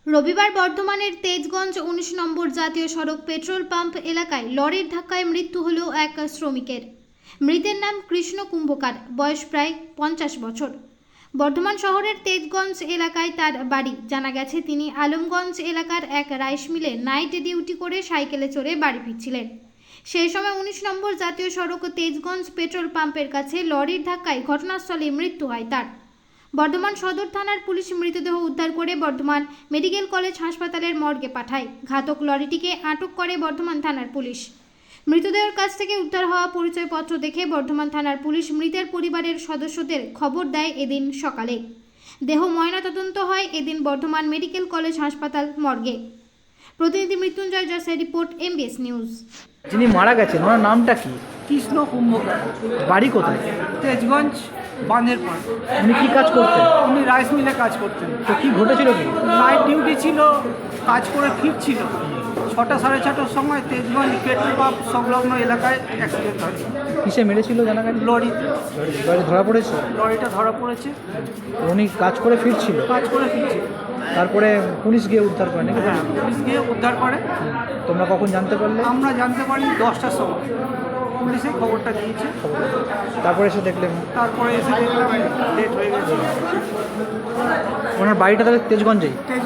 রবিবার বর্ধমানের তেজগঞ্জ ১৯ নম্বর জাতীয় সড়ক পেট্রোল পাম্প এলাকায় লরির ধাক্কায় মৃত্যু হল এক শ্রমিকের। মৃতের নাম কৃষ্ণ কুম্ভকার, বয়স প্রায় ৫০ বছর। বর্ধমান শহরের তেজগঞ্জ এলাকায় তার বাড়ি। জানা গেছে তিনি আলমগঞ্জ এলাকার এক রাইস মিলে নাইট ডিউটি করে সাইকেলে চড়ে বাড়ি ফিরছিলেন। সেই সময় ১৯ নম্বর জাতীয় সড়ক তেজগঞ্জ পেট্রোল পাম্পের কাছে লরির ধাক্কায় ঘটনাস্থলে মৃত্যু হয় তার। বর্ধমান সদর থানার পুলিশ মৃতদেহ উদ্ধার করে বর্ধমান মেডিকেল কলেজ হাসপাতালের মর্গে পাঠায়। ঘাতক লরিটিকে আটক করে বর্ধমান থানার পুলিশ। মৃতদেহের কাছ থেকে উদ্ধার হওয়া পরিচয়পত্র দেখে বর্ধমান থানার পুলিশ মৃতের পরিবারের সদস্যদের খবর দেয় এদিন সকালে। দেহ ময়নাতদন্ত হয় এদিন বর্ধমান মেডিকেল কলেজ হাসপাতাল মর্গে। প্রতিনিধি মৃত্যুঞ্জয় জসের রিপোর্ট, MBS নিউজ। যিনি মারা গেছেন ওনার নামটা কি? কৃষ্ণ কুম্ভকার, বাড়ি কোথায়? তেজগঞ্জ বাঁধের পাড়। উনি কি কাজ করতেন? উনি রাইস মিলে কাজ করতেন। তো কি ঘটেছিল কি? নাইট ডিউটি ছিল, কাজ করে ফিরছিল। ৬টা সাড়ে ৬টার সময় তেজগঞ্জ পেট্রোল পাম্প সংলগ্ন এলাকায় অ্যাক্সিডেন্ট হয়। কিসে মেরেছিল জানা গেছে? লরিতে, লরি ধরা পড়েছে? লরিটা ধরা পড়েছে, উনি কাজ করে ফিরছিল, কাজ করে ফিরছিল। তারপরে পুলিশ গিয়ে উদ্ধার করে নাকি? হ্যাঁ, পুলিশ গিয়ে উদ্ধার করে। তোমরা কখন জানতে পারলে? আমরা জানতে পারি 10টার সময়, পুলিশে খবরটা দিয়েছে। তারপরে এসে দেখলেন? তারপরে এসে দেখলাম লেট হয়ে গেছে। ওনার বাড়িটা তাহলে তেজগঞ্জেই? তেজগঞ্জ